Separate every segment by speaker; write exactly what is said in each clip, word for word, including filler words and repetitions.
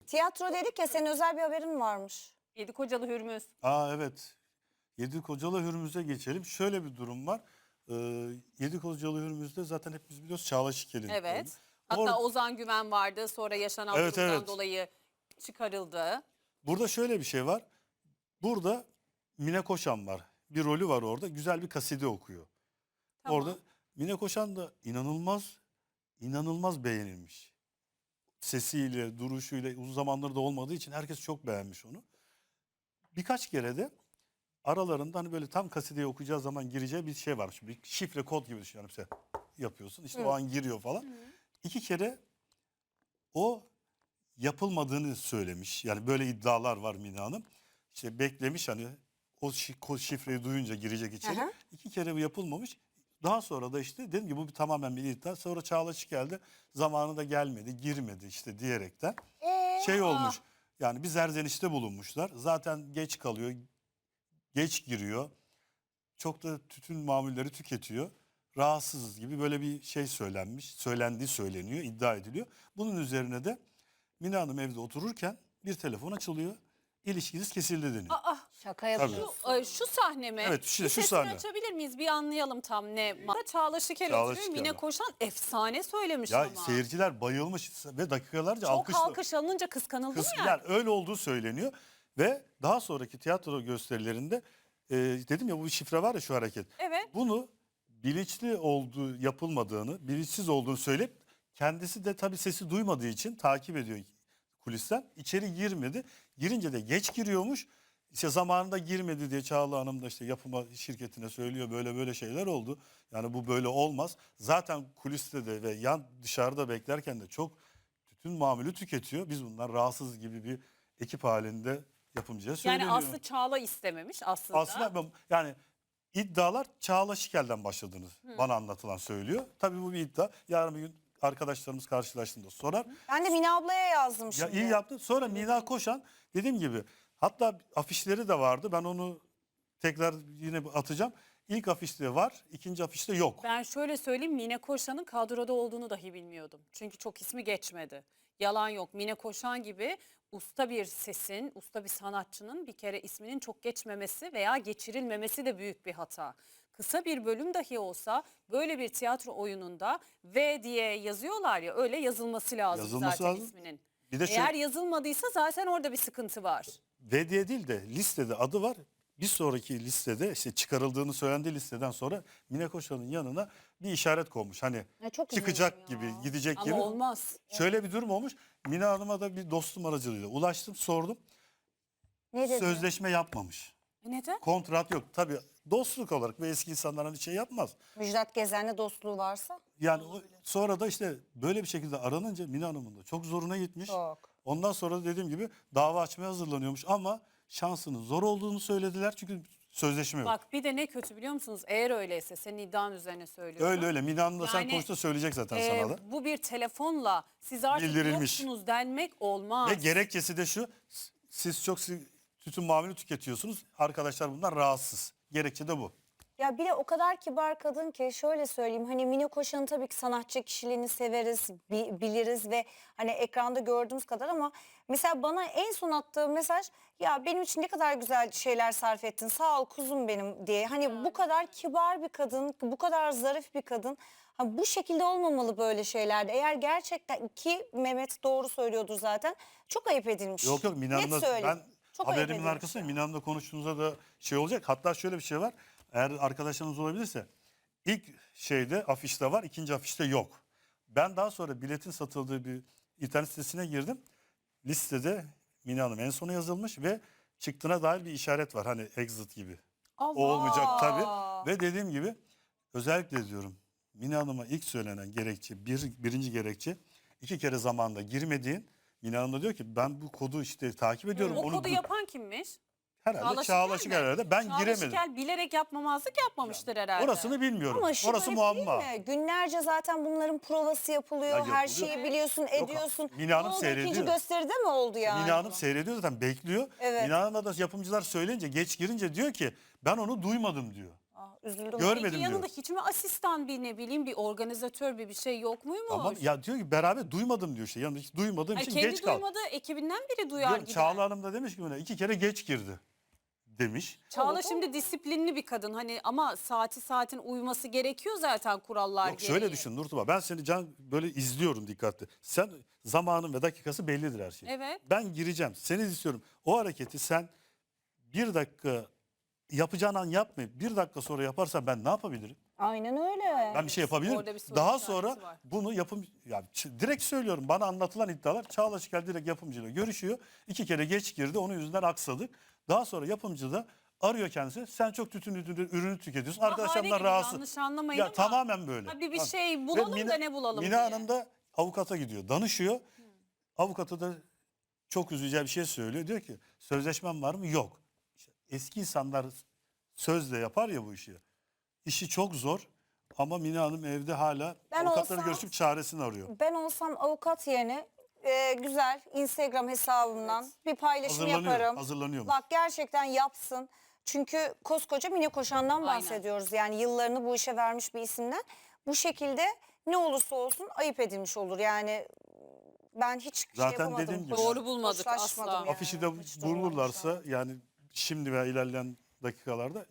Speaker 1: Tiyatro dedik ya, senin özel bir haberin varmış.
Speaker 2: Yedi Kocalı Hürmüz.
Speaker 3: Aa evet. Yedikocalı Hürmüz'e geçelim. Şöyle bir durum var. Ee, Yedikocalı Hürmüz'de zaten hepimiz biliyoruz Çağla Şikel'in.
Speaker 2: Evet. Hatta
Speaker 3: Or
Speaker 2: Ozan Güven vardı. Sonra yaşanan
Speaker 3: Evet,
Speaker 2: durumdan
Speaker 3: evet.
Speaker 2: dolayı çıkarıldı.
Speaker 3: Burada şöyle bir şey var. Burada Mine Koşan var. Bir rolü var orada. Güzel bir kaside okuyor.
Speaker 2: Tamam.
Speaker 3: Orada Mine Koşan da inanılmaz, inanılmaz beğenilmiş. Sesiyle, duruşuyla uzun zamandır da olmadığı için herkes çok beğenmiş onu. Birkaç kere de aralarında hani böyle tam kasideyi okuyacağı zaman gireceği bir şey varmış. Bir şifre kod gibi düşün. Yani mesela yapıyorsun işte
Speaker 2: Hı.
Speaker 3: o an giriyor falan.
Speaker 2: Hı.
Speaker 3: İki kere o yapılmadığını söylemiş. Yani böyle iddialar var Mine Hanım. İşte beklemiş hani o şi- ko- şifreyi duyunca girecek içeri.
Speaker 1: Aha.
Speaker 3: İki kere bu yapılmamış. Daha sonra da işte dedim ki bu bir tamamen bir iddia. Sonra Çağla geldi. Zamanında gelmedi, girmedi işte diyerekten.
Speaker 1: Ee,
Speaker 3: Şey
Speaker 2: Aa.
Speaker 3: olmuş. Yani bir zerzenişte bulunmuşlar. Zaten geç kalıyor. Geç giriyor. Çok da tütün mamulleri tüketiyor. Rahatsızız gibi böyle bir şey söylenmiş. Söylendiği söyleniyor, iddia ediliyor. Bunun üzerine de Mine Hanım evde otururken bir telefon açılıyor. İlişkiniz kesildi deniyor.
Speaker 2: Aa,
Speaker 1: Şaka yapıyorsun.
Speaker 2: şu, ay, şu sahne mi?
Speaker 3: Evet, şu-
Speaker 2: Bir
Speaker 3: şu
Speaker 2: sesini
Speaker 3: sahne.
Speaker 2: açabilir miyiz? Bir anlayalım tam ne. Çağla Şikel
Speaker 3: Çağla
Speaker 2: oturuyor.
Speaker 3: Şikel
Speaker 2: Mine
Speaker 3: var.
Speaker 2: Koşan efsane söylemiş
Speaker 3: Ya
Speaker 2: ama.
Speaker 3: seyirciler bayılmış ve dakikalarca
Speaker 2: Çok
Speaker 3: alkışla.
Speaker 2: alkış alınınca kıskanıldı mı
Speaker 3: Kız,
Speaker 2: yani?
Speaker 3: yani öyle olduğu söyleniyor. Ve daha sonraki tiyatro gösterilerinde e, dedim ya bu bir şifre var ya şu hareket.
Speaker 2: Evet.
Speaker 3: Bunu bilinçli olduğu yapılmadığını, bilinçsiz olduğunu söyleyip kendisi de tabii sesi duymadığı için takip ediyor kulisten. İçeri girmedi. Girince de geç giriyormuş. İşte zamanında girmedi diye Çağla Hanım da işte yapıma şirketine söylüyor böyle böyle şeyler oldu. Yani bu böyle olmaz. Zaten kuliste de ve yan dışarıda beklerken de çok tütün mamülü tüketiyor. Biz bundan rahatsız gibi bir ekip halinde yapımcıya söyleniyor.
Speaker 2: Yani Aslı Çağla istememiş aslında.
Speaker 3: Aslında ben- yani iddialar Çağla Şikel'den başladığını bana anlatılan söylüyor. Tabii bu bir iddia. Yarın bir gün arkadaşlarımız karşılaştığında sorar.
Speaker 1: Ben de Mine ablaya yazdım
Speaker 3: Ya
Speaker 1: şimdi.
Speaker 3: iyi yaptın. Sonra Mina Koşan dediğim gibi hatta afişleri de vardı. Ben onu tekrar yine atacağım. İlk afişte var, ikinci afişte yok.
Speaker 2: Ben şöyle söyleyeyim, Mine Koşan'ın kadroda olduğunu dahi bilmiyordum. Çünkü çok ismi geçmedi. Yalan yok. Mine Koşan gibi usta bir sesin, usta bir sanatçının bir kere isminin çok geçmemesi veya geçirilmemesi de büyük bir hata. Kısa bir bölüm dahi olsa böyle bir tiyatro oyununda V diye yazıyorlar ya, öyle yazılması lazım
Speaker 3: Yazılması
Speaker 2: zaten
Speaker 3: lazım.
Speaker 2: isminin.
Speaker 3: Bir de
Speaker 2: Eğer
Speaker 3: şöyle,
Speaker 2: yazılmadıysa zaten orada bir sıkıntı var.
Speaker 3: V diye değil de listede adı var. Bir sonraki listede işte çıkarıldığını söylendiği listeden sonra Mine Koşan'ın yanına bir işaret konmuş. Hani
Speaker 1: Ya çok
Speaker 3: çıkacak
Speaker 1: üzüldüm
Speaker 3: gibi,
Speaker 1: ya.
Speaker 3: gidecek
Speaker 2: Ama
Speaker 3: gibi.
Speaker 2: olmaz.
Speaker 3: Şöyle bir durum olmuş. Mine Hanım'a da bir dostum aracılığıyla ulaştım, sordum.
Speaker 1: Ne dedi?
Speaker 3: Sözleşme yapmamış.
Speaker 2: E neden?
Speaker 3: Kontrat yok. Tabii dostluk olarak ve eski insanlar hani şey yapmaz.
Speaker 1: Müjdat Gezen'le dostluğu varsa.
Speaker 3: Yani o, sonra da işte böyle bir şekilde aranınca Mine Hanım'ın da çok zoruna gitmiş.
Speaker 1: Çok.
Speaker 3: Ondan sonra da dediğim gibi dava açmaya hazırlanıyormuş ama şansının zor olduğunu söylediler çünkü sözleşme yok.
Speaker 2: Bak bir de ne kötü biliyor musunuz? Eğer öyleyse senin iddian üzerine söylüyorum.
Speaker 3: Öyle öyle. Mine Hanım da sen
Speaker 2: Yani,
Speaker 3: konuşta söyleyecek zaten
Speaker 2: Ee,
Speaker 3: sana da.
Speaker 2: bu bir telefonla siz artık
Speaker 3: Bildirilmiş.
Speaker 2: yoksunuz denmek olmaz.
Speaker 3: Ve gerekçesi de şu. s- Siz çok si- tütün mamülü tüketiyorsunuz. Arkadaşlar bundan rahatsız. Gerekçe de bu.
Speaker 1: Ya bir de o kadar kibar kadın ki şöyle söyleyeyim, hani Mine Koşan'ın tabii ki sanatçı kişiliğini severiz, bi- biliriz ve hani ekranda gördüğümüz kadar, ama mesela bana en son attığı mesaj, ya benim için ne kadar güzel şeyler sarf ettin, sağ ol kuzum benim diye. Hani bu kadar kibar bir kadın, bu kadar zarif bir kadın. Ha, bu şekilde olmamalı böyle şeylerde. Eğer gerçekten, ki Mehmet doğru söylüyordur zaten, çok ayıp edilmiş.
Speaker 3: Yok yok Mine
Speaker 1: Net
Speaker 3: Hanım'la
Speaker 1: söyleyeyim.
Speaker 3: ben
Speaker 1: Çok ayıp
Speaker 3: haberimin
Speaker 1: edilmiş
Speaker 3: arkasındayım.
Speaker 1: ya.
Speaker 3: Mine Hanım'la konuştuğunuzda da şey olacak. Hatta şöyle bir şey var. Eğer arkadaşlarınız olabilirse ilk şeyde afişte var, ikinci afişte yok. Ben daha sonra biletin satıldığı bir internet sitesine girdim. Listede Mine Hanım en sona yazılmış ve çıktığına dair bir işaret var. Hani exit gibi.
Speaker 2: Allah.
Speaker 3: O olmayacak tabii. Ve dediğim gibi özellikle diyorum Mine Hanım'a ilk söylenen gerekçe, bir, birinci gerekçe iki kere zamanda girmediğin. Mine Hanım da diyor ki ben bu kodu işte takip ediyorum.
Speaker 2: O
Speaker 3: Onu
Speaker 2: kodu
Speaker 3: gu-
Speaker 2: yapan kimmiş?
Speaker 3: herhalde Çağla Şikel
Speaker 2: mi?
Speaker 3: herhalde. Ben
Speaker 2: Çağla
Speaker 3: giremedim.
Speaker 2: Şikel bilerek yapmamazlık yapmamıştır herhalde.
Speaker 3: Orasını bilmiyorum.
Speaker 1: Ama şu
Speaker 3: Orası
Speaker 1: garip
Speaker 3: muamma.
Speaker 1: değil mi? Günlerce zaten bunların provası yapılıyor.
Speaker 3: Ya
Speaker 1: Her
Speaker 3: yapılıyor.
Speaker 1: şeyi biliyorsun, ediyorsun.
Speaker 3: Mine Hanım
Speaker 1: Ne oldu?
Speaker 3: seyrediyor.
Speaker 1: İkinci gösteride mi oldu yani?
Speaker 3: Mine Hanım seyrediyor zaten bekliyor.
Speaker 1: Evet.
Speaker 3: Mine Hanım'a da yapımcılar söyleyince geç girince diyor ki ben onu duymadım diyor.
Speaker 1: Ah, Üzüldüm.
Speaker 3: Görmedim
Speaker 2: Peki yanında
Speaker 3: diyor.
Speaker 2: hiç mi asistan bir ne bileyim bir organizatör bir bir şey yok muymuş?
Speaker 3: Ama ya diyor ki beraber duymadım diyor işte. Yanında hiç duymadığım
Speaker 2: Ay,
Speaker 3: için
Speaker 2: kendi
Speaker 3: geç kaldım.
Speaker 2: duymadığı ekibinden biri duyar
Speaker 3: Diyorum,
Speaker 2: gider.
Speaker 3: Çağla Hanım da demiş ki buna iki kere geç girdi demiş.
Speaker 2: Çağla şimdi disiplinli bir kadın hani ama saati saatin uyması gerekiyor zaten kurallar
Speaker 3: Yok
Speaker 2: gereği.
Speaker 3: şöyle düşün Nurtuba, ben seni can böyle izliyorum dikkatli. Sen zamanın ve dakikası bellidir her şey.
Speaker 2: Evet.
Speaker 3: Ben gireceğim, seni istiyorum. O hareketi sen bir dakika yapacağın an yapmayıp bir dakika sonra yaparsan ben ne yapabilirim?
Speaker 1: Aynen öyle.
Speaker 3: Ben bir şey yapabilirim.
Speaker 2: Orada bir soru
Speaker 3: Daha
Speaker 2: işareti
Speaker 3: sonra
Speaker 2: var.
Speaker 3: bunu yapım ya ç- direkt söylüyorum, bana anlatılan iddialar Çağla Şikel direkt yapımcıyla görüşüyor. İki kere geç girdi, onun yüzünden aksadık. Daha sonra yapımcı da arıyor kendisi. Sen çok tütün ürünü, ürünü tüketiyorsun.
Speaker 2: Bahane
Speaker 3: Arkadaşlarımdan
Speaker 2: gibi,
Speaker 3: rahatsız.
Speaker 2: yanlış anlamayın
Speaker 3: Ya
Speaker 2: ama
Speaker 3: tamamen böyle.
Speaker 2: ha, bir- bir
Speaker 3: Bak,
Speaker 2: şey
Speaker 3: ve
Speaker 2: bulalım
Speaker 3: Mine-
Speaker 2: da ne bulalım
Speaker 3: Mine
Speaker 2: diye.
Speaker 3: Hanım da avukata gidiyor, danışıyor. Avukata da çok üzücü bir şey söylüyor. Diyor ki sözleşmem var mı? Yok. İşte eski insanlar sözle yapar ya bu işi. İşi çok zor ama Mine Hanım evde hala
Speaker 1: Ben
Speaker 3: avukatları
Speaker 1: olsam-
Speaker 3: görüşüp çaresini arıyor.
Speaker 1: Ben olsam avukat yerine e, güzel Instagram hesabımdan bir paylaşım
Speaker 3: Hazırlanıyor,
Speaker 1: yaparım.
Speaker 3: hazırlanıyormuş.
Speaker 1: Bak gerçekten yapsın. Çünkü koskoca Mine Koşan'dan
Speaker 2: Aynen.
Speaker 1: bahsediyoruz. Yani yıllarını bu işe vermiş bir isimden. Bu şekilde ne olursa olsun ayıp edilmiş olur. Yani ben hiç şey
Speaker 3: Zaten
Speaker 1: yapamadım.
Speaker 3: dediğim gibi.
Speaker 1: hoş-
Speaker 2: Doğru bulmadık
Speaker 1: hoşlaşmadım
Speaker 2: asla.
Speaker 1: yani.
Speaker 3: Afişi de
Speaker 1: Hiç durmadım
Speaker 3: bulurlarsa
Speaker 1: şu an.
Speaker 3: yani şimdi veya ilerleyen dakikalarda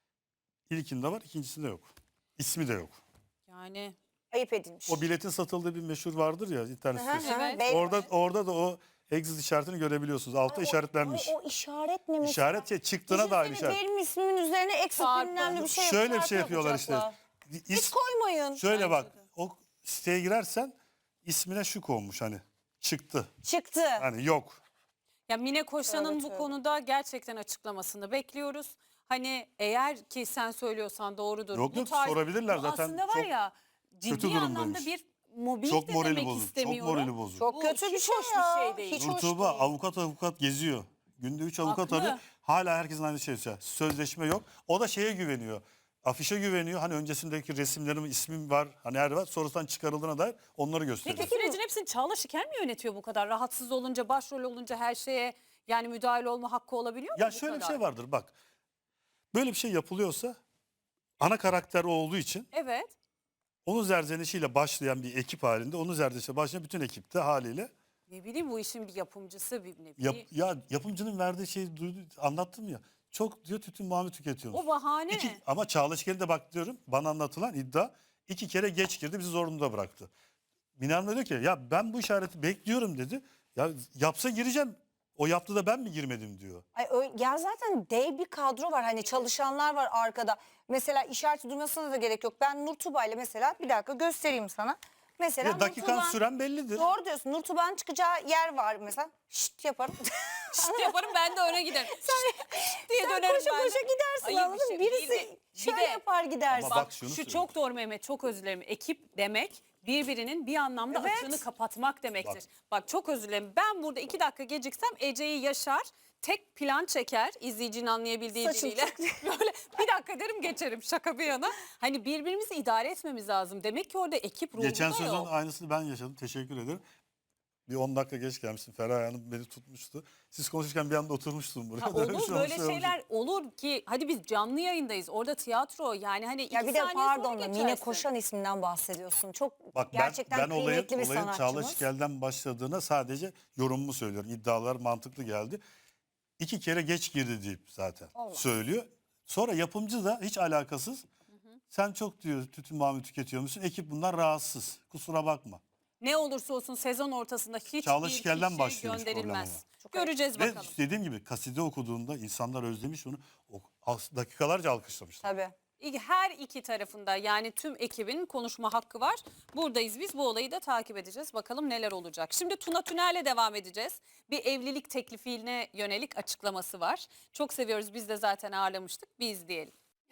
Speaker 3: ilkinde var, ikincisinde yok. İsmi de yok.
Speaker 2: Yani
Speaker 1: Ayıp edilmiş.
Speaker 3: O biletin satıldığı bir meşhur vardır ya internet
Speaker 1: Hı hı,
Speaker 3: sitesi.
Speaker 2: Evet.
Speaker 1: bey-
Speaker 3: Orada orada da o exit işaretini görebiliyorsunuz. Altta
Speaker 1: Ay, o-
Speaker 3: işaretlenmiş.
Speaker 1: ay, O, işaret ne mesela?
Speaker 3: İşaret şey, çıktığına dair
Speaker 1: Düşünsene
Speaker 3: işaret.
Speaker 1: benim ismimin üzerine eksik
Speaker 2: Çarpı.
Speaker 1: bilmem ne bir şey
Speaker 3: Şöyle bir
Speaker 1: çarpı
Speaker 3: şey yapıyorlar işte.
Speaker 1: yapacaklar. Hiç
Speaker 3: İs,
Speaker 1: koymayın.
Speaker 3: şöyle
Speaker 2: Bence
Speaker 3: bak,
Speaker 2: de.
Speaker 3: o siteye girersen ismine şu konmuş hani çıktı.
Speaker 1: Çıktı.
Speaker 3: Hani yok.
Speaker 2: ya Mine Koşan'ın
Speaker 1: Tövbe
Speaker 2: bu
Speaker 1: tövbe.
Speaker 2: konuda gerçekten açıklamasını bekliyoruz. Hani eğer ki sen söylüyorsan doğrudur.
Speaker 3: Yok,
Speaker 2: Bu
Speaker 3: yok, sorabilirler
Speaker 2: bu
Speaker 3: zaten.
Speaker 2: Aslında var
Speaker 3: Çok
Speaker 2: ya
Speaker 3: kötü
Speaker 2: ciddi anlamda
Speaker 3: durumdaymış.
Speaker 2: bir mobbing
Speaker 3: Çok
Speaker 2: de
Speaker 3: morali
Speaker 2: demek
Speaker 3: bozuk. Çok
Speaker 2: istemiyorum.
Speaker 3: morali bozuk.
Speaker 1: Çok
Speaker 2: Bu
Speaker 1: kötü bir
Speaker 2: hiç
Speaker 1: şey
Speaker 2: hoş bir
Speaker 1: ya.
Speaker 2: şey değil.
Speaker 1: Hiç hoş
Speaker 3: Nurtuğba
Speaker 1: değil.
Speaker 3: avukat avukat geziyor. Günde üç avukat
Speaker 2: Haklı.
Speaker 3: arıyor. Hala herkesin aynı şeyi söylüyor. Sözleşme yok. O da şeye güveniyor. Afişe güveniyor. Hani öncesindeki resimlerim, ismim var. Hani her var. Sonrasından çıkarıldığına dair onları gösteriyor.
Speaker 2: Peki sürecin hepsini Çağla Şikel mi yönetiyor bu kadar? Rahatsız olunca, başrol olunca her şeye yani müdahale olma hakkı olabiliyor mu
Speaker 3: Ya
Speaker 2: bu
Speaker 3: şöyle bir
Speaker 2: kadar?
Speaker 3: şey vardır bak. Böyle bir şey yapılıyorsa ana karakter o olduğu için
Speaker 2: Evet.
Speaker 3: onun zerzenişiyle başlayan bir ekip halinde, onun zerzenişiyle başlayan bütün ekipte haliyle
Speaker 2: Ne bileyim bu işin bir yapımcısı bir ne
Speaker 3: yap,
Speaker 2: bileyim.
Speaker 3: ya yapımcının verdiği şeyi duydu, anlattım ya. Çok diyor tütün mamül tüketiyormuş.
Speaker 2: O bahane.
Speaker 3: İki, ama Çağla Şikel'e de bak diyorum, bana anlatılan iddia iki kere geç girdi, bizi zorunda bıraktı. Mine Hanım da diyor ki ya ben bu işareti bekliyorum dedi. Ya yapsa gireceğim. O yaptı da ben mi girmedim diyor.
Speaker 1: Ay, öyle, ya zaten dev bir kadro var. Hani çalışanlar var arkada. Mesela işareti duymasına da gerek yok. Ben Nurtuba ile mesela bir dakika göstereyim sana. Mesela
Speaker 3: Ya dakikan
Speaker 1: Nurtuba'nın-
Speaker 3: süren bellidir.
Speaker 1: Doğru diyorsun. Nurtuba'nın çıkacağı yer var mesela. Şşt yaparım.
Speaker 2: Şşt yaparım ben de öne giderim. Şşt diye
Speaker 1: Sen
Speaker 2: dönerim
Speaker 1: koşa
Speaker 2: ben de.
Speaker 1: koşa gidersin,
Speaker 2: Hayır, bir
Speaker 1: anladın
Speaker 2: şey
Speaker 1: mı? Birisi
Speaker 2: değil de- bir
Speaker 1: şöyle
Speaker 2: de-
Speaker 1: yapar gidersin.
Speaker 3: Ama
Speaker 2: Bak
Speaker 3: bak şunu
Speaker 2: şu
Speaker 3: söyleyeyim.
Speaker 2: çok doğru Mehmet, çok özür dilerim. Ekip demek birbirinin bir anlamda
Speaker 1: Evet.
Speaker 2: açığını kapatmak demektir.
Speaker 3: Bak.
Speaker 2: Bak. çok özür dilerim. Ben burada iki dakika geciksem Ece'yi Yaşar tek plan çeker izleyicinin anlayabildiği
Speaker 1: Saçım
Speaker 2: diliyle. Böyle bir dakika derim geçerim şaka bir yana. Hani birbirimizi idare etmemiz lazım. Demek ki orada ekip ruhu
Speaker 3: Geçen
Speaker 2: da
Speaker 3: sezon
Speaker 2: yok.
Speaker 3: aynısını ben yaşadım. Teşekkür ederim. Bir on dakika geç gelmiştim. Feraye Hanım beni tutmuştu. Siz konuşurken bir anda oturmuştum buraya.
Speaker 2: Ha,
Speaker 3: Böyle bir
Speaker 2: olur
Speaker 3: şey
Speaker 2: böyle
Speaker 3: olmuş, şey
Speaker 2: şeyler olur ki hadi biz canlı yayındayız orada tiyatro yani hani iki
Speaker 1: Ya bir de
Speaker 2: saniye sonra
Speaker 1: pardon da Mine
Speaker 2: geçersin.
Speaker 1: Koşan isminden bahsediyorsun. Çok
Speaker 3: Bak ben,
Speaker 1: gerçekten
Speaker 3: ben olayın,
Speaker 1: kıymetli bir
Speaker 3: olayın Çağla
Speaker 1: sanatçımız.
Speaker 3: Şikel'den başladığına sadece yorumumu söylüyorum. İddialar mantıklı geldi. İki kere geç girdi deyip zaten
Speaker 1: Olmaz.
Speaker 3: söylüyor. Sonra yapımcı da hiç alakasız. Sen çok diyor tütün mamül tüketiyor musun? Ekip bundan rahatsız. Kusura bakma.
Speaker 2: Ne olursa olsun sezon ortasında hiçbir
Speaker 3: Çağla Şikel'den
Speaker 2: kişi
Speaker 3: başlıyormuş problem
Speaker 2: gönderilmez.
Speaker 1: Çok
Speaker 2: Göreceğiz
Speaker 3: Ve
Speaker 2: bakalım.
Speaker 3: dediğim gibi kaside okuduğunda insanlar özlemiş onu. O, as- dakikalarca alkışlamışlar.
Speaker 1: Tabii.
Speaker 2: İki- Her iki tarafında yani tüm ekibin konuşma hakkı var. Buradayız biz bu olayı da takip edeceğiz. Bakalım neler olacak. Şimdi Tuna Tüner'le devam edeceğiz. Bir evlilik teklifine yönelik açıklaması var. Çok seviyoruz biz de zaten ağırlamıştık. Bir izleyelim.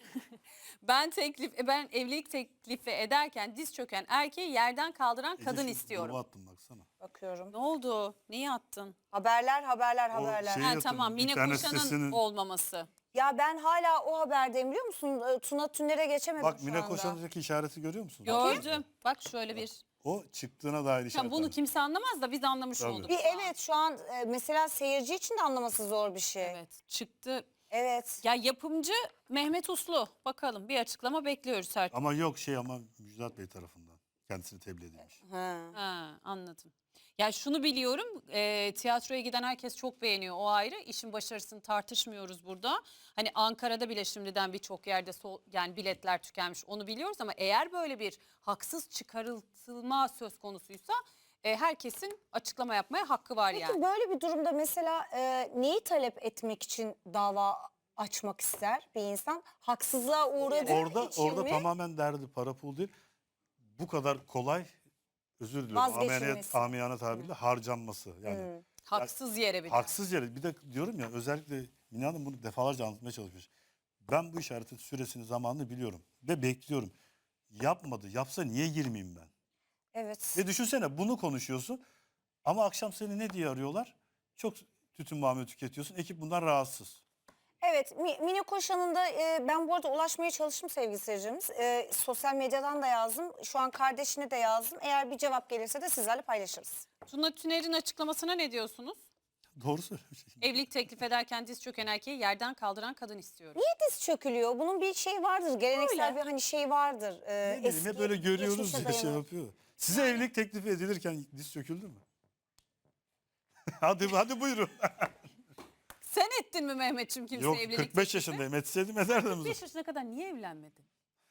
Speaker 2: ben teklif ben evlilik teklifi ederken diz çöken erkeği yerden kaldıran
Speaker 3: Ece,
Speaker 2: kadın
Speaker 3: şu
Speaker 2: istiyorum.
Speaker 3: gruba attım baksana.
Speaker 1: Bakıyorum.
Speaker 2: Ne oldu? Neyi attın?
Speaker 1: Haberler haberler
Speaker 3: O
Speaker 1: haberler.
Speaker 3: şey-
Speaker 2: Ha,
Speaker 3: yatırım,
Speaker 2: tamam Mine
Speaker 3: internet
Speaker 2: Koşan'ın
Speaker 3: sitesinin-
Speaker 2: olmaması.
Speaker 1: Ya ben hala o haberdeyim biliyor musun? Ee, Tuna Tüner'e geçemedim
Speaker 3: Bak
Speaker 1: şu
Speaker 3: Mine
Speaker 1: anda.
Speaker 3: Koşan'daki işareti görüyor musun?
Speaker 2: Gördüm. Bak şöyle bir.
Speaker 3: O çıktığına dair işaret.
Speaker 2: Tamam, bunu kimse anlamaz da biz anlamış
Speaker 3: Tabii.
Speaker 2: olduk.
Speaker 1: Bir evet şu an e, mesela seyirci için de anlaması zor bir şey. Evet.
Speaker 2: Evet çıktı.
Speaker 1: Evet.
Speaker 2: Ya yapımcı Mehmet Uslu. Bakalım bir açıklama bekliyoruz her.
Speaker 3: Ama yok şey ama Müjdat Bey tarafından kendisini tebliğ edilmiş.
Speaker 1: Ha.
Speaker 2: Ha, anladım. Ya şunu biliyorum, e, tiyatroya giden herkes çok beğeniyor, o ayrı. İşin başarısını tartışmıyoruz burada. Hani Ankara'da bile şimdiden birçok yerde sol, yani biletler tükenmiş, onu biliyoruz ama eğer böyle bir haksız çıkarılma söz konusuysa e, herkesin açıklama yapmaya hakkı var
Speaker 1: Peki
Speaker 2: yani.
Speaker 1: böyle bir durumda mesela e, neyi talep etmek için dava açmak ister bir insan? Haksızlığa uğradığı
Speaker 3: Orada
Speaker 1: için
Speaker 3: orada
Speaker 1: mi?
Speaker 3: tamamen derdi para pul değil. Bu kadar kolay özür diliyorum.
Speaker 1: Vazgeçilmesi.
Speaker 3: Ameliyat, amiyane tabirle harcanması. Yani
Speaker 1: Hmm.
Speaker 2: Haksız yere bir de.
Speaker 3: haksız yere. Bir de diyorum ya özellikle Mine Hanım bunu defalarca anlatmaya çalışmış. Ben bu işaretin süresini zamanını biliyorum ve bekliyorum. Yapmadı. Yapsa niye girmeyeyim ben?
Speaker 1: Evet.
Speaker 3: Ve düşünsene bunu konuşuyorsun ama akşam seni ne diye arıyorlar? Çok tütün mamulü tüketiyorsun. Ekip bundan rahatsız.
Speaker 1: Evet, Mi- Mine Koşan'ın da e, ben bu arada ulaşmaya çalıştım sevgili seyircimiz. E, sosyal medyadan da yazdım. Şu an kardeşine de yazdım. Eğer bir cevap gelirse de sizlerle paylaşırız.
Speaker 2: Tuna Tüner'in açıklamasına ne diyorsunuz?
Speaker 3: Doğru söylemiş.
Speaker 2: Evlilik teklif ederken diz çöken erkeği yerden kaldıran kadın istiyorum.
Speaker 1: Niye diz çökülüyor? Bunun bir şey vardır. Geleneksel
Speaker 2: Öyle.
Speaker 1: bir hani şey vardır. E,
Speaker 3: Ne bileyim hep böyle görüyoruz
Speaker 1: geçmişe
Speaker 3: diye şey
Speaker 1: dayalı.
Speaker 3: yapıyor. Size evlilik teklifi edilirken diz çöküldü mü? hadi hadi buyurun.
Speaker 2: Sen ettin mi Mehmetçim kimseye
Speaker 3: Yok
Speaker 2: evlilik
Speaker 3: kırk beş
Speaker 2: teklifi?
Speaker 3: yaşındayım. Etseydim ederdim.
Speaker 2: beş yaşına kadar niye evlenmedin?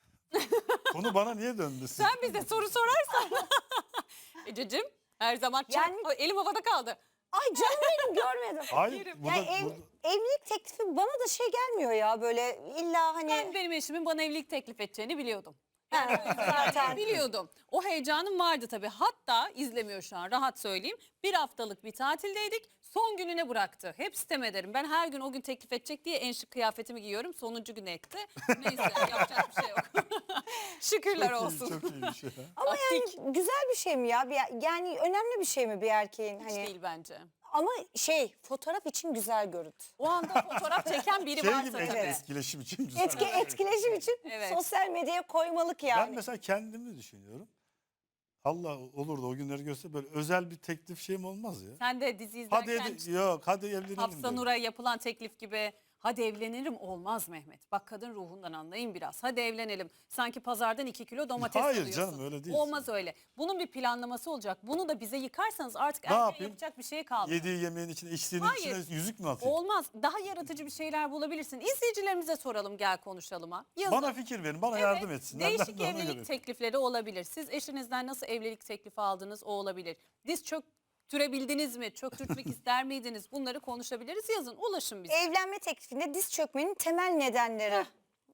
Speaker 3: Konu bana niye döndü? Siz?
Speaker 2: Sen bize soru sorarsan. Ececiğim her zaman çak.
Speaker 1: Yani-
Speaker 2: Ay, elim havada kaldı.
Speaker 1: Ay canım benim görmedim.
Speaker 3: Hayır. Burada,
Speaker 1: Yani ev-
Speaker 3: burada-
Speaker 1: evlilik teklifi bana da şey gelmiyor ya böyle illa hani
Speaker 2: Ben benim eşimin bana evlilik teklif edeceğini biliyordum.
Speaker 1: Ha, zaten
Speaker 2: Biliyordum. O heyecanım vardı tabii. Hatta izlemiyor şu an rahat söyleyeyim. Bir haftalık bir tatildeydik. Son gününe bıraktı. Hep sitem ederim. Ben her gün o gün teklif edecek diye en şık kıyafetimi giyiyorum. Sonuncu gün etti. Neyse yapacak bir şey yok. Şükürler
Speaker 3: çok iyi,
Speaker 2: olsun.
Speaker 3: çok iyi bir şey.
Speaker 1: ama
Speaker 2: Taktik.
Speaker 1: yani güzel bir şey mi ya? Bir- yani önemli bir şey mi bir erkeğin
Speaker 2: Hiç
Speaker 1: hani?
Speaker 2: değil bence.
Speaker 1: Ama şey fotoğraf için güzel görüntü.
Speaker 2: O anda fotoğraf çeken biri
Speaker 3: Şey
Speaker 2: varsa
Speaker 3: gibi
Speaker 2: tabii.
Speaker 1: Evet.
Speaker 3: etkileşim için güzel.
Speaker 1: Etki, etkileşim için
Speaker 2: Evet.
Speaker 1: sosyal medyaya koymalık yani.
Speaker 3: Ben mesela kendimi düşünüyorum. Allah olur da o günleri göster böyle özel bir teklif şeyim olmaz ya.
Speaker 2: Sen de dizi
Speaker 3: Hadi
Speaker 2: izlerken
Speaker 3: ed- yok hadi evlenelim.
Speaker 2: Hafsa
Speaker 3: derim.
Speaker 2: Nur'a yapılan teklif gibi hadi evlenirim olmaz Mehmet. Bak kadın ruhundan anlayın biraz. Hadi evlenelim. Sanki pazardan iki kilo domates
Speaker 3: Hayır
Speaker 2: alıyorsun.
Speaker 3: canım, öyle değil.
Speaker 2: Olmaz öyle. Bunun bir planlaması olacak. Bunu da bize yıkarsanız artık
Speaker 3: Ne
Speaker 2: erkeğin
Speaker 3: yapayım?
Speaker 2: yapacak bir şey kalmadı.
Speaker 3: Yediği yemeğin içine içtiğinin
Speaker 2: Hayır.
Speaker 3: içine yüzük mü atayım?
Speaker 2: Olmaz. Daha yaratıcı bir şeyler bulabilirsin. İzleyicilerimize soralım gel konuşalım ha. Yazın.
Speaker 3: Bana fikir verin, bana
Speaker 2: Evet,
Speaker 3: yardım etsinler. Ben
Speaker 2: Değişik
Speaker 3: de ona
Speaker 2: evlilik
Speaker 3: göre.
Speaker 2: teklifleri olabilir. Siz eşinizden nasıl evlilik teklifi aldınız o olabilir. Diz çöktürebildiniz mi? Çöktürtmek ister miydiniz? Bunları konuşabiliriz. Yazın ulaşın bize.
Speaker 1: Evlenme teklifinde diz çökmenin temel nedenleri.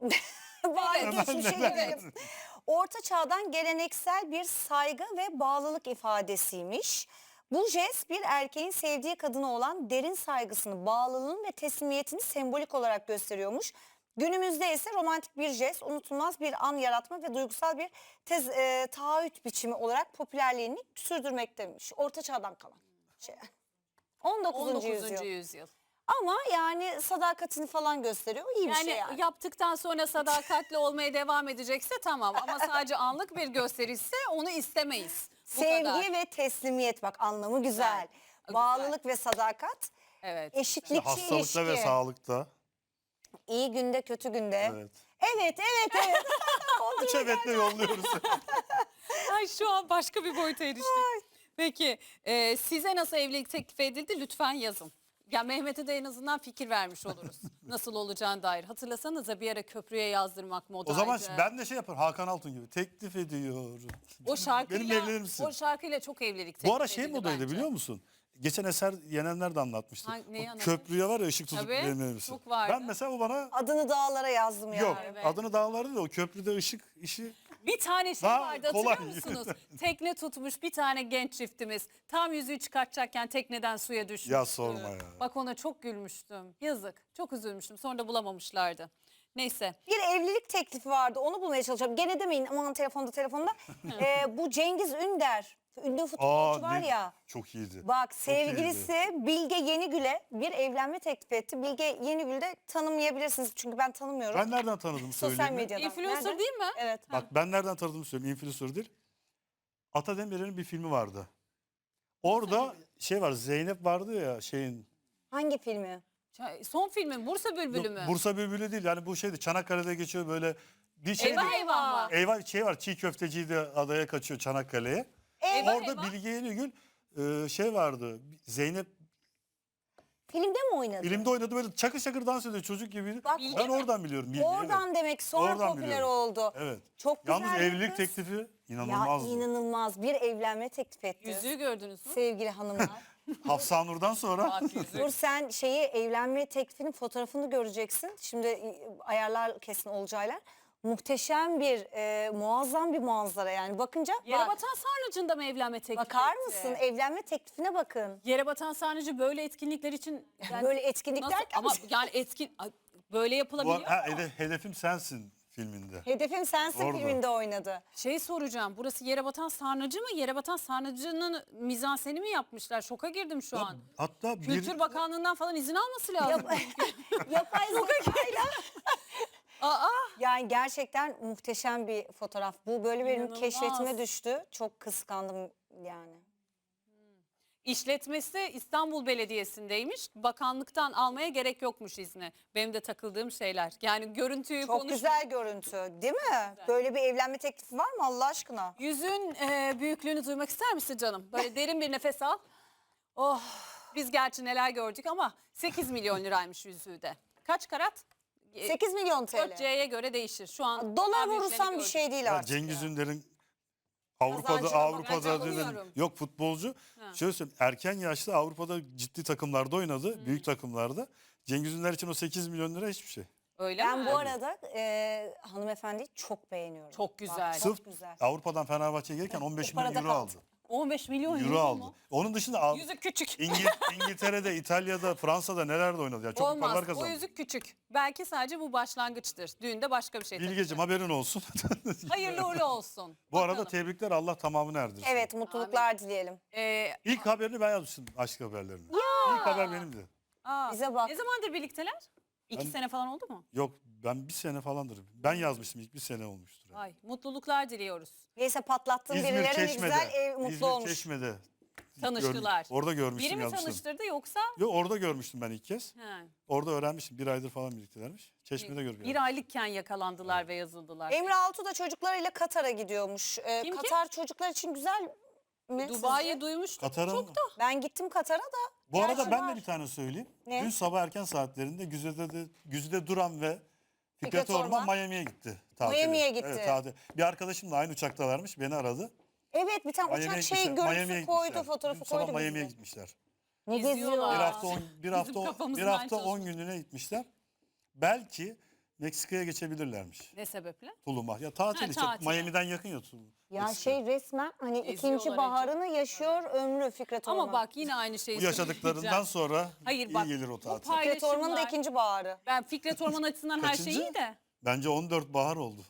Speaker 1: Bari
Speaker 2: Evet.
Speaker 1: geçmişe
Speaker 3: Temel
Speaker 1: gidelim. Orta çağdan geleneksel bir saygı ve bağlılık ifadesiymiş. Bu jest bir erkeğin sevdiği kadına olan derin saygısını, bağlılığını ve teslimiyetini sembolik olarak gösteriyormuş. Günümüzde ise romantik bir jest, unutulmaz bir an yaratma ve duygusal bir tez, e, taahhüt biçimi olarak popülerliğini sürdürmektemiş. Orta çağdan kalan şey. on dokuzuncu
Speaker 2: on dokuzuncu
Speaker 1: yüzyıl.
Speaker 2: yüzyıl.
Speaker 1: Ama yani sadakatini falan gösteriyor. İyi bir
Speaker 2: Yani,
Speaker 1: şey yani.
Speaker 2: yaptıktan sonra sadakatli olmaya devam edecekse tamam ama sadece anlık bir gösterişse onu istemeyiz. Bu
Speaker 1: Sevgi
Speaker 2: kadar.
Speaker 1: ve teslimiyet bak anlamı güzel.
Speaker 2: Güzel.
Speaker 1: Bağlılık ve sadakat,
Speaker 2: Evet.
Speaker 1: eşitlikçi
Speaker 3: Hastalıkta
Speaker 1: ilişki.
Speaker 3: ve sağlıkta.
Speaker 1: İyi günde kötü günde.
Speaker 3: Evet.
Speaker 1: Evet evet evet.
Speaker 3: Üç evetle yolluyoruz.
Speaker 2: Ay şu an başka bir boyuta eriştik. Peki e, size nasıl evlilik teklif edildi lütfen yazın. Ya Mehmet'e de en azından fikir vermiş oluruz. Nasıl olacağına dair. Hatırlasanıza bir ara köprüye yazdırmak modaydı.
Speaker 3: O zaman ben de şey yaparım Hakan Altun gibi teklif ediyorum.
Speaker 2: o şarkıyla,
Speaker 3: Benimle evlenir misin?
Speaker 2: o şarkıyla çok evlilik teklif
Speaker 3: Bu ara şey
Speaker 2: edildi
Speaker 3: modaydı
Speaker 2: bence.
Speaker 3: biliyor musun? Geçen Eser Yenenler de anlatmıştı.
Speaker 2: Hangi- neyi
Speaker 3: O
Speaker 2: anlatmış?
Speaker 3: köprüye var ya ışık tutup
Speaker 2: Tabii,
Speaker 3: evlenir misin?
Speaker 2: çok vardı.
Speaker 3: Ben mesela o bana
Speaker 1: Adını dağlara yazdım ya.
Speaker 3: yok
Speaker 2: Evet.
Speaker 3: adını dağlarda da o köprüde ışık işi
Speaker 2: Bir tane şey
Speaker 3: Daha
Speaker 2: vardı
Speaker 3: kolay.
Speaker 2: hatırlıyor musunuz? Tekne tutmuş bir tane genç çiftimiz. Tam yüzüğü çıkartacakken tekneden suya düşmüştü.
Speaker 3: Ya sorma ya.
Speaker 2: Bak ona çok gülmüştüm. Yazık. Çok üzülmüştüm. Sonra da bulamamışlardı. Neyse.
Speaker 1: Bir evlilik teklifi vardı onu bulmaya çalışıyorum. Gene demeyin aman telefonda telefonda. Ee, bu Cengiz Ünder. Ünlü futbolcu var
Speaker 3: ne-
Speaker 1: ya.
Speaker 3: çok iyiydi.
Speaker 1: Bak
Speaker 3: Çok
Speaker 1: sevgilisi Bilge Yenigül'e bir evlenme teklif etti. Bilge Yenigül'ü de tanımayabilirsiniz çünkü ben tanımıyorum.
Speaker 3: Ben nereden tanıdım
Speaker 1: Sosyal
Speaker 3: söyleyeyim mi?
Speaker 1: medyadan.
Speaker 2: Influencer
Speaker 1: Nerede?
Speaker 2: değil mi?
Speaker 1: Evet.
Speaker 3: Bak ben nereden tanıdığımı söyleyeyim. Influencer değil. Ata Demirer'in bir filmi vardı. Orada şey var Zeynep vardı ya şeyin
Speaker 1: Hangi filmi?
Speaker 2: Ça- Son filmin Bursa Bülbülü mü?
Speaker 3: Yok, Bursa Bülbülü değil. Yani bu şeydi, Çanakkale'de geçiyor böyle bir şey.
Speaker 2: Eyvah eyvah mı?
Speaker 3: Eyvah şey var, çiğ köfteciyi de adaya kaçıyor, Çanakkale'ye.
Speaker 2: Eyvah
Speaker 3: Orada
Speaker 2: eyvah.
Speaker 3: Bilge Yenigül e, şey vardı. Zeynep
Speaker 1: Filmde mi oynadı?
Speaker 3: filmde oynadı, böyle çakır çakır dans ediyor, çocuk gibiydi.
Speaker 1: Bak,
Speaker 3: Ben oradan biliyorum. Bilge,
Speaker 1: Oradan
Speaker 3: evet.
Speaker 1: demek sonra
Speaker 3: Oradan
Speaker 1: popüler
Speaker 3: biliyorum.
Speaker 1: oldu.
Speaker 3: Evet.
Speaker 1: Çok güzel
Speaker 3: Yalnız
Speaker 1: bir
Speaker 3: evlilik
Speaker 1: kız.
Speaker 3: teklifi
Speaker 1: Ya
Speaker 3: inanılmazdı.
Speaker 1: inanılmaz bir evlenme teklif etti.
Speaker 2: Yüzüğü gördünüz mü?
Speaker 1: Sevgili hanımlar.
Speaker 3: Hafsa Nur'dan sonra
Speaker 2: Bak yüzük.
Speaker 1: Dur sen şeyi evlenme teklifinin fotoğrafını göreceksin. Şimdi e, ayarlar kesin Olcaylar. Muhteşem bir, e, muazzam bir manzara yani. Bakınca
Speaker 2: Yere
Speaker 1: bak,
Speaker 2: batan sarnıcında mı evlenme teklifi
Speaker 1: bakar
Speaker 2: etti?
Speaker 1: mısın? Evlenme teklifine bakın.
Speaker 2: Yere batan sarnıcı böyle etkinlikler için yani
Speaker 1: Böyle etkinlik
Speaker 2: nasıl-
Speaker 1: derken
Speaker 2: ama yani etkin Ay, böyle
Speaker 3: bu,
Speaker 2: yapılabiliyor
Speaker 3: ha,
Speaker 2: mu?
Speaker 3: hede- hedefim sensin filminde.
Speaker 1: Hedefim Sensin
Speaker 3: Orada.
Speaker 1: filminde oynadı.
Speaker 2: Şey soracağım, burası yere batan sarnıcı mı? Yere batan sarnıcının mizanseni mi yapmışlar? Şoka girdim şu an.
Speaker 3: Hatta bir
Speaker 2: Kültür Bakanlığı'ndan falan izin alması lazım.
Speaker 1: Yapay zekayla.
Speaker 2: Aa,
Speaker 1: Yani gerçekten muhteşem bir fotoğraf. Bu böyle benim
Speaker 2: İnanılmaz.
Speaker 1: keşfetime düştü. Çok kıskandım yani.
Speaker 2: işletmesi İstanbul Belediyesi'ndeymiş. Bakanlıktan almaya gerek yokmuş izni. Benim de takıldığım şeyler. Yani görüntüyü
Speaker 1: Çok
Speaker 2: konuş.
Speaker 1: güzel görüntü değil mi? Böyle bir evlenme teklifi var mı Allah aşkına?
Speaker 2: Yüzün e, büyüklüğünü duymak ister misin canım? Böyle derin bir nefes al. Oh, biz gerçi neler gördük ama sekiz milyon liraymış yüzüğü de. Kaç karat? E,
Speaker 1: sekiz milyon T
Speaker 2: dört
Speaker 1: L.
Speaker 2: C'ye göre değişir. Şu an
Speaker 1: Dolar
Speaker 2: daha büyüklerini
Speaker 1: vurursam bir
Speaker 2: gördük.
Speaker 1: şey değil
Speaker 3: Ya
Speaker 1: artık.
Speaker 3: Cengiz
Speaker 1: ya.
Speaker 3: Ünder'in Avrupa'da
Speaker 1: Kazancına bak,
Speaker 3: Avrupa'da
Speaker 2: ben
Speaker 3: dedim,
Speaker 2: anlamıyorum.
Speaker 3: yok futbolcu.
Speaker 2: Ha.
Speaker 3: Şöyle söyleyeyim, erken yaşta Avrupa'da ciddi takımlarda oynadı, büyük takımlarda. Cengiz Ünder için o sekiz milyon lira hiçbir şey.
Speaker 2: Öyle
Speaker 1: Ben
Speaker 2: mi?
Speaker 1: bu arada e, hanımefendiyi çok beğeniyorum.
Speaker 2: Çok güzel.
Speaker 1: Bak,
Speaker 3: Sırf
Speaker 1: çok güzel.
Speaker 3: Avrupa'dan Fenerbahçe'ye gelirken on beş
Speaker 1: O para
Speaker 3: milyon
Speaker 1: da
Speaker 3: euro
Speaker 1: kaldı.
Speaker 3: aldı.
Speaker 2: on beş milyon euro,
Speaker 3: Euro aldı.
Speaker 2: mu?
Speaker 3: Onun dışında Av-
Speaker 2: Yüzük küçük.
Speaker 3: İngi- İngiltere'de, İtalya'da, Fransa'da nelerde oynadı ya. Çok paralar
Speaker 2: Olmaz.
Speaker 3: kazandı.
Speaker 2: O yüzük küçük. Belki sadece bu başlangıçtır. Düğünde başka bir şey
Speaker 3: Bilgeciğim
Speaker 2: takacak.
Speaker 3: haberin olsun.
Speaker 2: Hayırlı uğurlu olsun.
Speaker 3: Bu arada
Speaker 2: Bakalım.
Speaker 3: tebrikler, Allah tamamını erdirsin.
Speaker 1: Evet mutluluklar dileyelim.
Speaker 2: Ee,
Speaker 3: İlk haberini ben yazmıştım, aşk haberlerini. İlk haber benimdi.
Speaker 2: aa,
Speaker 1: Bize bak.
Speaker 2: Ne zamandır birlikteler? İki
Speaker 3: Ben-
Speaker 2: sene falan oldu mu?
Speaker 3: Yok, ben bir sene falandır. Ben yazmıştım, ilk bir sene olmuştur.
Speaker 2: Ay, mutluluklar diliyoruz.
Speaker 1: Neyse patlattığın
Speaker 3: İzmir
Speaker 1: birileri ne
Speaker 3: Çeşme'de.
Speaker 1: güzel ev mutlu
Speaker 3: İzmir
Speaker 1: olmuş.
Speaker 3: Çeşme'de.
Speaker 2: Tanıştılar.
Speaker 3: Gör- orada görmüştüm,
Speaker 2: Biri mi
Speaker 3: yazmıştım.
Speaker 2: tanıştırdı yoksa?
Speaker 3: Yok, orada görmüştüm ben ilk kez.
Speaker 2: He.
Speaker 3: Orada öğrenmiştim. Bir aydır falan birliktelermiş. Çeşme'de görmüştüm.
Speaker 2: Bir aylıkken yakalandılar ve yazıldılar.
Speaker 1: Emre Altuğ da çocuklarıyla Katar'a gidiyormuş. Ee,
Speaker 2: Kim, kim?
Speaker 1: Katar çocuklar için güzel mi
Speaker 2: Dubai'yi
Speaker 1: sizce?
Speaker 2: duymuştuk.
Speaker 3: Katar'ın
Speaker 2: Çok da.
Speaker 1: Ben gittim Katar'a da.
Speaker 3: Bu arada
Speaker 1: Gerçi
Speaker 3: ben
Speaker 1: var.
Speaker 3: de bir tane söyleyeyim.
Speaker 1: Ne?
Speaker 3: Dün sabah erken saatlerinde Güzide, de, Güzide Duran ve Fikret,
Speaker 1: Fikret
Speaker 3: Orman
Speaker 1: Orman.
Speaker 3: Miami'ye gitti. tatile.
Speaker 1: Miami'ye gitti.
Speaker 3: Evet, tatil. Bir arkadaşım da aynı uçaktalarmış, beni aradı.
Speaker 1: Evet bir tane
Speaker 3: Miami'ye
Speaker 1: uçak şey
Speaker 3: gitmişler, Miami'ye
Speaker 1: görüntüsü
Speaker 3: gitmişler.
Speaker 1: koydu, fotoğrafı
Speaker 3: Dün sabah
Speaker 1: koydu
Speaker 3: Miami'ye
Speaker 1: bize.
Speaker 3: gitmişler.
Speaker 1: Ne
Speaker 2: Geziyorlar.
Speaker 1: geziyorlar?
Speaker 3: Bir
Speaker 2: Aa,
Speaker 3: hafta on, bir hafta on, bir
Speaker 2: kafamızdan
Speaker 3: hafta on
Speaker 2: çalışıyor.
Speaker 3: günlüğüne gitmişler. Belki Meksika'ya geçebilirlermiş.
Speaker 2: Ne sebeple?
Speaker 3: Tulum'a. Ya tatil
Speaker 2: Ha,
Speaker 3: işte.
Speaker 2: tatile.
Speaker 3: Miami'den yakın ya Tulum.
Speaker 1: Ya
Speaker 3: Meksika.
Speaker 1: şey resmen hani
Speaker 2: Geziyorlar
Speaker 1: ikinci
Speaker 2: Ece.
Speaker 1: baharını yaşıyor ömrü Fikret Orman.
Speaker 2: Ama bak yine aynı şeyi
Speaker 3: Bu yaşadıklarından
Speaker 2: söyleyeceğim.
Speaker 3: sonra
Speaker 2: Hayır,
Speaker 3: iyi
Speaker 2: bak,
Speaker 3: gelir o
Speaker 2: bu
Speaker 3: tatil.
Speaker 2: pay-
Speaker 1: Fikret Orman'ın da
Speaker 2: paylaşımlar-
Speaker 1: ikinci baharı.
Speaker 2: Ben Fikret Orman açısından her şey
Speaker 3: Kaçıncı?
Speaker 2: iyi de.
Speaker 3: Bence on dört bahar oldu.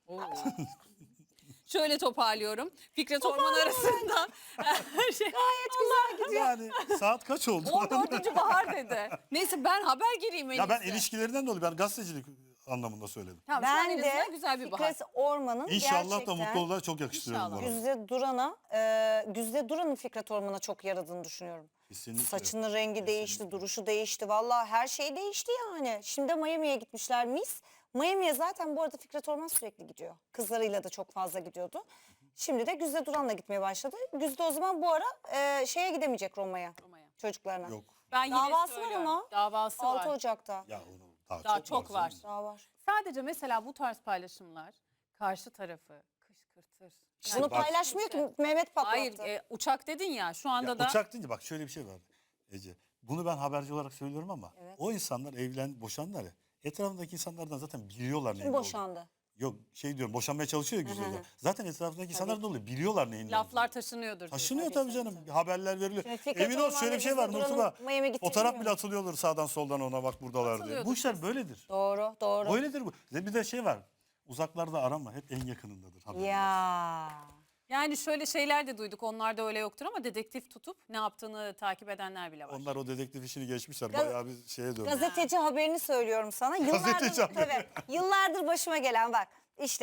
Speaker 2: Şöyle toparlıyorum. Fikret Orman arasında her şey gayet güzel
Speaker 3: Yani saat kaç oldu?
Speaker 2: on dördüncü bahar dedi. Neyse ben haber gireyim en
Speaker 3: Ya ben
Speaker 2: iyisi.
Speaker 3: ilişkilerinden dolayı, ben gazetecilik anlamında söyledim.
Speaker 2: Tamam, şu an
Speaker 1: Ben
Speaker 2: en
Speaker 1: de
Speaker 2: azından güzel bir bahar.
Speaker 1: Fikret Orman'ın
Speaker 3: İnşallah
Speaker 1: gerçekten
Speaker 3: da mutlu olurlar, çok yakıştırıyorum
Speaker 2: İnşallah.
Speaker 3: bu arada.
Speaker 1: Güzde Duran'a, e, Güzde Duran'ın Fikret Orman'a çok yaradığını düşünüyorum.
Speaker 3: Kesinlikle.
Speaker 1: Saçının rengi değişti, duruşu değişti. Vallahi her şey değişti yani. Şimdi Miami'ye gitmişler mis. Miami'ye zaten bu arada Fikret Orman sürekli gidiyor. Kızlarıyla da çok fazla gidiyordu. Şimdi de Güzde Duran'la gitmeye başladı. Güzde o zaman bu ara e, şeye gidemeyecek Roma'ya.
Speaker 2: Roma'ya.
Speaker 1: Çocuklarına.
Speaker 3: Yok.
Speaker 2: Ben yine
Speaker 1: Davası var
Speaker 2: söylüyorum.
Speaker 1: ama.
Speaker 2: Davası
Speaker 1: altı
Speaker 2: var.
Speaker 1: Ocak'ta.
Speaker 3: Ya onu daha,
Speaker 2: Daha
Speaker 3: çok,
Speaker 2: çok
Speaker 3: var.
Speaker 2: var.
Speaker 3: canım.
Speaker 1: Daha var.
Speaker 2: Sadece mesela bu tarz paylaşımlar karşı tarafı kışkırtır. Yani-
Speaker 1: Bunu
Speaker 3: bak-
Speaker 1: paylaşmıyor ki Mehmet patlattı.
Speaker 2: Hayır, e, uçak dedin ya şu anda
Speaker 3: Ya
Speaker 2: da
Speaker 3: uçak deyince bak şöyle bir şey var Ece. Bunu ben haberci olarak söylüyorum ama
Speaker 1: Evet.
Speaker 3: o insanlar evlen, boşandılar ya. Etrafındaki insanlardan zaten biliyorlar neyin
Speaker 1: Kim
Speaker 3: ne olduğunu.
Speaker 1: boşandı?
Speaker 3: Yok şey diyorum, boşanmaya çalışıyor ya Güzide. Zaten etrafındaki insanlar da oluyor. Biliyorlar neyin ne
Speaker 2: laflar
Speaker 3: olduğunu.
Speaker 2: taşınıyordur.
Speaker 3: Taşınıyor
Speaker 1: Tabii,
Speaker 3: tabii canım. Haberler veriliyor.
Speaker 1: Şimdi Fikret
Speaker 3: Emin ol
Speaker 1: Orman'la
Speaker 3: şöyle bir şey var
Speaker 1: Güzide Duran'ın
Speaker 3: Nurtuba.
Speaker 1: Miami'ye gittiğini
Speaker 3: Fotoğraf bile
Speaker 1: bilmiyorum.
Speaker 3: atılıyordur sağdan soldan, ona bak buradalar diye.
Speaker 2: Atılıyordur
Speaker 3: Bu işler böyledir.
Speaker 1: Doğru, doğru.
Speaker 3: Böyledir bu. Bir de şey var. Uzaklarda arama, hep en yakınındadır. haberin olsun.
Speaker 1: Ya.
Speaker 2: Yani şöyle şeyler de duyduk. Onlar da öyle yoktur ama dedektif tutup ne yaptığını takip edenler bile var.
Speaker 3: Onlar o dedektif işini geçmişler.
Speaker 1: Gaz-
Speaker 3: Bayağı bir şeye dönmüş.
Speaker 1: Gazeteci haberini söylüyorum sana. Yıllardır,
Speaker 3: Gazeteci haberi.
Speaker 1: tabii, yıllardır başıma gelen bak. İşte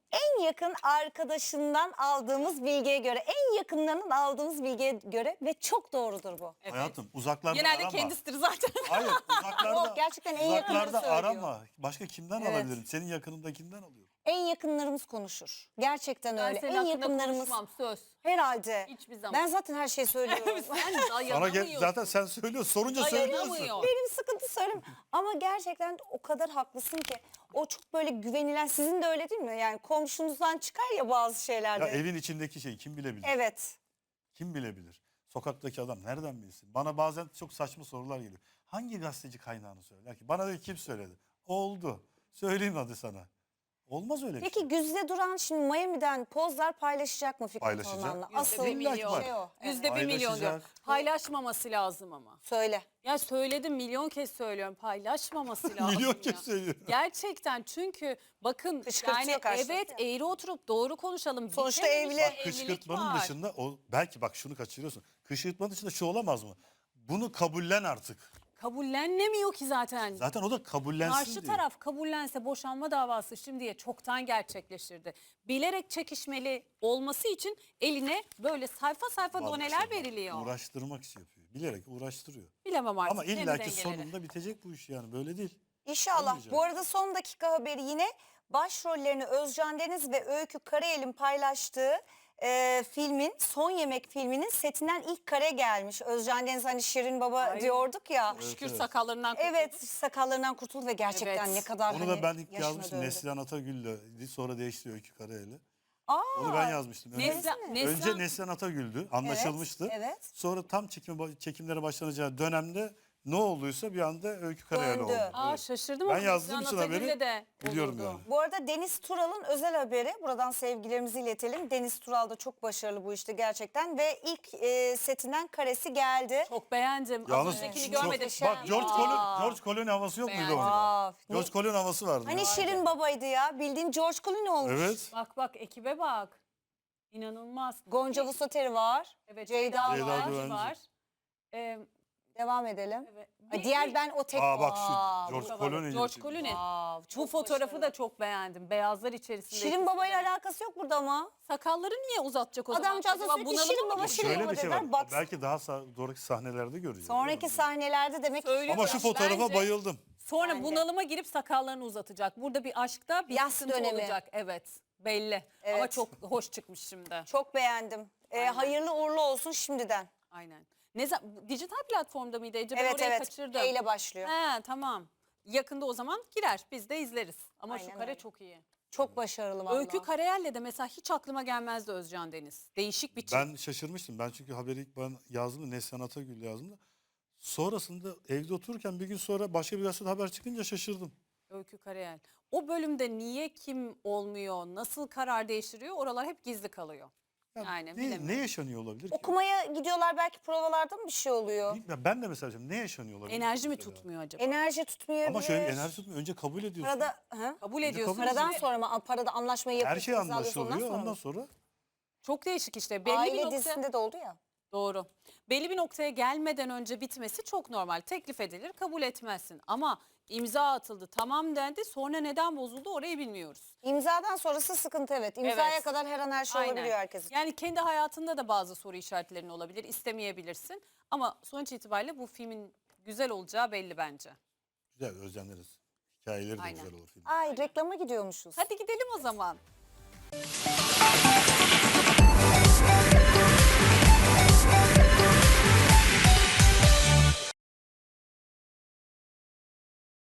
Speaker 1: En yakın arkadaşından aldığımız bilgiye göre, en yakınlarının aldığımız bilgiye göre ve çok doğrudur bu.
Speaker 2: Evet.
Speaker 3: Hayatım uzaklarda
Speaker 2: Genelde
Speaker 3: arama.
Speaker 2: kendisidir zaten.
Speaker 3: Hayır uzaklarda,
Speaker 1: Yok, gerçekten en yakınları
Speaker 3: uzaklarda
Speaker 1: söylüyor.
Speaker 3: arama. Başka kimden
Speaker 1: Evet.
Speaker 3: alabilirim? Senin yakınındakinden alıyorum.
Speaker 1: En yakınlarımız konuşur. Gerçekten
Speaker 2: Ben
Speaker 1: öyle.
Speaker 2: senin
Speaker 1: En
Speaker 2: hakkında
Speaker 1: yakınlarımız
Speaker 2: konuşmam, söz.
Speaker 1: herhalde.
Speaker 2: Hiçbir zaman.
Speaker 1: Ben zaten her şeyi söylüyorum.
Speaker 2: Sen
Speaker 3: Sana gel,
Speaker 2: dayanamıyorsun.
Speaker 3: zaten sen söylüyorsun. Sorunca söylüyorsun.
Speaker 2: Dayanamıyor.
Speaker 1: Benim sıkıntı söyleyeyim. Ama gerçekten o kadar haklısın ki. O çok böyle güvenilen, sizin de öyle değil mi? Yani komşunuzdan çıkar ya bazı şeylerde.
Speaker 3: Ya evin içindeki şeyi kim bilebilir?
Speaker 1: Evet.
Speaker 3: Kim bilebilir? Sokaktaki adam nereden bilsin? Bana bazen çok saçma sorular geliyor. Hangi gazeteci kaynağını söyler ki? Bana diyor kim söyledi? Oldu. Söyleyeyim hadi sana. Olmaz öyle bir
Speaker 1: Peki
Speaker 3: şey.
Speaker 1: Güzde Duran şimdi Miami'den pozlar paylaşacak mı Fikret
Speaker 3: Paylaşacak.
Speaker 1: Orman'la?
Speaker 2: Yüzde
Speaker 1: Asıl
Speaker 2: bir
Speaker 3: İlla ki
Speaker 2: milyon.
Speaker 3: var.
Speaker 1: şey o. Evet.
Speaker 2: Yüzde bir milyon diyor.
Speaker 3: Paylaşacak.
Speaker 2: Paylaşmaması lazım ama.
Speaker 1: Söyle.
Speaker 2: Ya söyledim, milyon kez söylüyorum, paylaşmaması lazım.
Speaker 3: Milyon
Speaker 2: ya.
Speaker 3: kez söylüyorum.
Speaker 2: Gerçekten, çünkü bakın
Speaker 1: Kışkırtıyor
Speaker 2: yani
Speaker 1: karşılıklı
Speaker 2: evet,
Speaker 1: ya.
Speaker 2: eğri oturup doğru konuşalım.
Speaker 1: Sonuçta
Speaker 2: Bitememiş
Speaker 1: evli.
Speaker 2: bir evlilik
Speaker 3: Kışkırtmanın
Speaker 2: var.
Speaker 3: dışında o belki bak şunu kaçırıyorsun. Kışkırtmanın dışında şu olamaz mı? Bunu kabullen artık.
Speaker 2: Kabullenemiyor ki zaten.
Speaker 3: Zaten o da kabullensin
Speaker 2: Karşı
Speaker 3: diyor.
Speaker 2: taraf kabullense boşanma davası şimdiye çoktan gerçekleşirdi. Bilerek çekişmeli olması için eline böyle sayfa sayfa
Speaker 3: Vallahi
Speaker 2: doneler
Speaker 3: işte bak,
Speaker 2: veriliyor.
Speaker 3: Uğraştırmak için yapıyor. Bilerek uğraştırıyor.
Speaker 2: Bilemem artık.
Speaker 3: Ama
Speaker 2: kendi
Speaker 3: illaki
Speaker 2: dengeleri.
Speaker 3: sonunda bitecek bu iş yani böyle değil.
Speaker 1: İnşallah.
Speaker 3: Olmayacak.
Speaker 1: Bu arada son dakika haberi yine başrollerini Özcan Deniz ve Öykü Karayel'in paylaştığı e, filmin, Son Yemek filminin setinden ilk kare gelmiş. Özcan Deniz hani Şirin Baba
Speaker 2: Ay.
Speaker 1: diyorduk ya.
Speaker 3: Evet,
Speaker 2: Şükür
Speaker 3: evet.
Speaker 2: sakallarından kurtulduk.
Speaker 1: Evet, sakallarından kurtuldu ve gerçekten
Speaker 2: Evet.
Speaker 1: ne kadar
Speaker 3: Onu
Speaker 1: hani
Speaker 3: da ben ilk
Speaker 1: yaşına
Speaker 3: yazmıştım
Speaker 1: döndü.
Speaker 3: Neslihan Atagül'le. Sonra değişti Öykü Karayel'e.
Speaker 1: Aa,
Speaker 3: Onu ben yazmıştım. Önce,
Speaker 2: Neslihan-
Speaker 3: önce
Speaker 2: Neslihan-
Speaker 3: Neslihan Atagül'dü. Anlaşılmıştı.
Speaker 1: evet.
Speaker 3: Sonra tam çekime, çekimlere başlanacağı dönemde ne olduysa bir anda Öykü Karayel
Speaker 1: Döndü.
Speaker 3: oldu.
Speaker 2: Aa,
Speaker 3: Evet.
Speaker 2: şaşırdım
Speaker 3: Ben
Speaker 2: ama
Speaker 3: yazdığım
Speaker 2: Neslihan
Speaker 3: için haberi
Speaker 2: Atagül'le de
Speaker 3: biliyorum
Speaker 2: olurdu.
Speaker 3: yani.
Speaker 1: Bu arada Deniz Tural'ın özel haberi. Buradan sevgilerimizi iletelim. Deniz Tural da çok başarılı bu işte gerçekten. Ve ilk e, setinden karesi geldi.
Speaker 2: Çok beğendim. Az
Speaker 3: Yalnız
Speaker 2: öncekini
Speaker 3: çok-
Speaker 2: görmedim.
Speaker 3: bak George
Speaker 2: Aa.
Speaker 3: Clooney, George Clooney havası yok muydu
Speaker 2: Beğendim.
Speaker 3: onda?
Speaker 1: Aa,
Speaker 3: George Clooney havası vardı.
Speaker 1: Hani
Speaker 3: ya.
Speaker 1: Şirin Baba'ydı ya. Bildiğin George Clooney olmuş.
Speaker 3: Evet.
Speaker 2: Bak bak, ekibe bak. İnanılmaz.
Speaker 1: Gonca Vuslateri var.
Speaker 2: Evet,
Speaker 1: Ceyda
Speaker 2: Ceyda,
Speaker 3: Ceyda
Speaker 2: Düvenci
Speaker 3: Düvenci.
Speaker 2: var. Ee,
Speaker 1: Devam edelim.
Speaker 2: evet.
Speaker 1: Ay,
Speaker 2: Bir-
Speaker 1: diğer
Speaker 2: bir-
Speaker 1: ben o tek.
Speaker 3: Aa bak şu
Speaker 1: Aa,
Speaker 3: George
Speaker 2: bu kadar.
Speaker 3: Clooney.
Speaker 2: George
Speaker 3: gibi.
Speaker 2: Clooney.
Speaker 1: Aa,
Speaker 2: Bu
Speaker 1: çok
Speaker 2: fotoğrafı
Speaker 1: başarılı.
Speaker 2: da çok beğendim. Beyazlar içerisinde.
Speaker 1: Şirin Baba'yla alakası yok burada ama.
Speaker 2: Sakalları niye uzatacak o zaman?
Speaker 1: Adamcağız da
Speaker 2: Acaba
Speaker 1: sürekli
Speaker 2: bunalıma
Speaker 1: Şirin
Speaker 2: mı
Speaker 1: Baba,
Speaker 2: giriyor?
Speaker 1: Şirin
Speaker 3: Şöyle
Speaker 1: Baba
Speaker 3: bir şey
Speaker 1: dediler.
Speaker 3: var.
Speaker 1: Bak,
Speaker 3: Belki daha sa- sonraki sahnelerde göreceğiz.
Speaker 1: sonraki sahnelerde demek ki
Speaker 2: Söylüyorum.
Speaker 3: Ama şu fotoğrafa
Speaker 2: Bence-
Speaker 3: bayıldım.
Speaker 2: Sonra
Speaker 1: Bence.
Speaker 2: bunalıma girip sakallarını uzatacak. Burada bir aşkta bir
Speaker 1: Yas
Speaker 2: sıkıntı
Speaker 1: dönemi.
Speaker 2: olacak. Evet, belli. Ama
Speaker 1: Evet.
Speaker 2: çok hoş çıkmış şimdi.
Speaker 1: çok beğendim. Ee,
Speaker 2: Aynen.
Speaker 1: hayırlı uğurlu olsun şimdiden.
Speaker 2: Aynen. Ne za- dijital platformda mıydı Ece? Ben
Speaker 1: Evet
Speaker 2: orayı
Speaker 1: evet.
Speaker 2: kaçırdım.
Speaker 1: E ile başlıyor.
Speaker 2: He, tamam. Yakında o zaman girer. Biz de izleriz. Ama
Speaker 1: Aynen
Speaker 2: şu kare
Speaker 1: öyle.
Speaker 2: çok iyi.
Speaker 1: Çok başarılı vallahi.
Speaker 2: Öykü Karayel'le de mesela hiç aklıma gelmezdi Özcan Deniz. Değişik bir çift.
Speaker 3: Ben şaşırmıştım. Ben çünkü haberi ilk ben yazdım da Neslihan Atagül yazdım da. Sonrasında evde otururken bir gün sonra başka bir gazetede haber çıkınca şaşırdım.
Speaker 2: Öykü Karayel. O bölümde niye kim olmuyor, nasıl karar değiştiriyor, oralar hep gizli kalıyor.
Speaker 3: Ya
Speaker 2: Yani
Speaker 3: ne,
Speaker 2: bilemiyorum.
Speaker 3: ne yaşanıyor olabilir ki?
Speaker 1: Okumaya gidiyorlar, belki provalarda mı bir şey oluyor?
Speaker 3: Ya ben de mesela ne yaşanıyor olabilir?
Speaker 2: Enerji mi
Speaker 3: mesela?
Speaker 2: tutmuyor acaba?
Speaker 1: Enerji tutmayabilir.
Speaker 3: Ama şöyle enerji tutmuyor. Önce kabul ediyorsun.
Speaker 1: Parada, hı?
Speaker 2: Kabul
Speaker 3: Önce
Speaker 2: ediyorsun.
Speaker 3: kabul
Speaker 1: Paradan
Speaker 3: ediyorsun.
Speaker 1: sonra mı? Parada anlaşmayı
Speaker 3: Her
Speaker 1: yapıyorsun.
Speaker 3: şey
Speaker 1: imzalıyorsun,
Speaker 3: anlaşılıyor.
Speaker 1: mı?
Speaker 3: Ondan sonra
Speaker 2: Çok değişik işte. Belli bir
Speaker 1: Aile
Speaker 2: nokta...
Speaker 1: dizisinde de oldu ya.
Speaker 2: Doğru. Belli bir noktaya gelmeden önce bitmesi çok normal. Teklif edilir, kabul etmezsin. Ama imza atıldı, tamam dendi. Sonra neden bozuldu orayı bilmiyoruz.
Speaker 1: İmzadan sonrası sıkıntı evet. İmzaya
Speaker 2: Evet.
Speaker 1: kadar her an her şey
Speaker 2: Aynen.
Speaker 1: olabiliyor herkesin.
Speaker 2: Yani kendi hayatında da bazı soru işaretlerin olabilir, istemeyebilirsin. Ama sonuç itibariyle bu filmin güzel olacağı belli bence.
Speaker 3: güzel özleniriz. Hikayeleri de
Speaker 2: Aynen.
Speaker 3: güzel olur film.
Speaker 1: Ay reklama gidiyormuşuz.
Speaker 2: Hadi gidelim o zaman.